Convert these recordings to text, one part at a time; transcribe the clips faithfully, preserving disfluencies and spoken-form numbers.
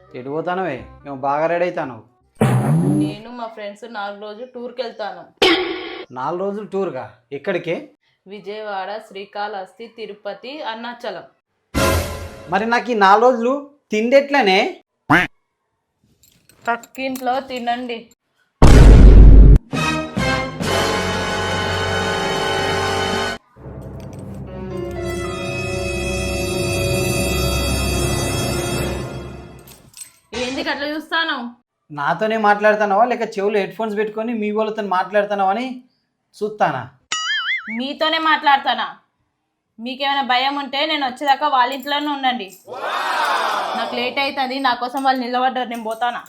ఎటు పోతానవే మేము బాగా రెడీ అవుతాను. నేను మా ఫ్రెండ్స్ నాలుగు రోజులు టూర్కి వెళ్తాను. నాలుగు రోజులు టూర్గా ఎక్కడికి? విజయవాడ, శ్రీకాళహస్తి, తిరుపతి, అరుణాచలం. మరి నాకు ఈ నాలుగు రోజులు తిండి ఎట్లనే? పక్కింట్లో తినండి. ఏంది అట్లా చూస్తాను? నాతోనే మాట్లాడుతున్నావా లేక చెవులు హెడ్ ఫోన్స్ పెట్టుకొని మీ వాళ్ళతో మాట్లాడుతున్నావా అని చూస్తానా? మీతోనే మాట్లాడతానా? మీకేమైనా భయం ఉంటే నేను వచ్చేదాకా వాళ్ళ ఇంట్లోనే ఉండండి. నాకు లేట్ అవుతుంది, నా కోసం వాళ్ళు నిలబడ్డారు, నేను పోతానా.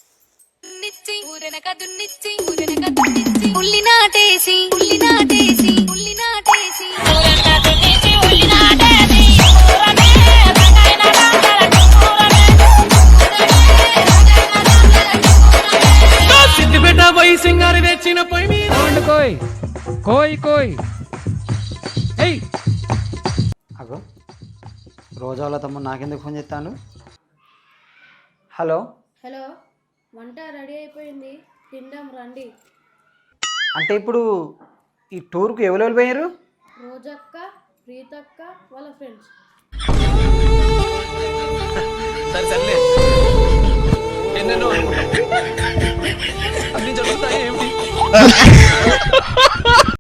సింగారి తెచ్చిన పొయ్యి మీద కోయ్ కోయ్ కోయ్. అగో రోజా వాళ్ళ తమ్ముడు నాకెందుకు ఫోన్ చేస్తాను? హలో హలో, వంట రెడీ అయిపోయింది, తిందాం రండి. అంటే ఇప్పుడు ఈ టూర్కు ఎవరెవరు పోయారు? రోజక్క, ప్రీతక్క వాళ్ళ ఫ్రెండ్స్. సరే సర్లే, ఎన్నెన్నో అన్ని జరుగుతాయి ఏమిటి?